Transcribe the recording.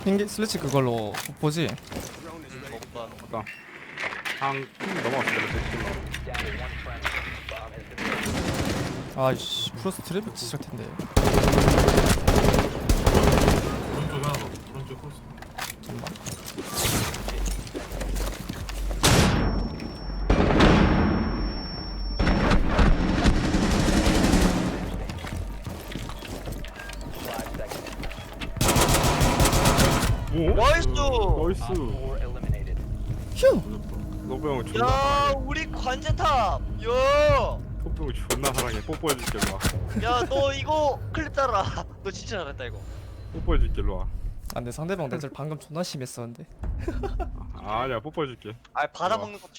핑계 슬래치 그걸로 보지. 아까 한 넘어갔어. 아이씨 프로스 트래픽 시작 텐데. 오른쪽에 하나 더. 오른쪽 코스. 잠깐만. 오? 나이스! 나이스. 휴. 노부 형 존나 야, 사랑해. 우리 관제탑! 야! 노부 형 존나 사랑해. 뽀뽀해줄게 일로 와. 야, 너 이거 클립 따라. 너 진짜 잘했다, 이거. 뽀뽀해줄게 일로 와. 아 근데 상대방 내절 방금 존나 심했었는데. 아니야 뽀뽀해줄게. 아, 받아먹는 것도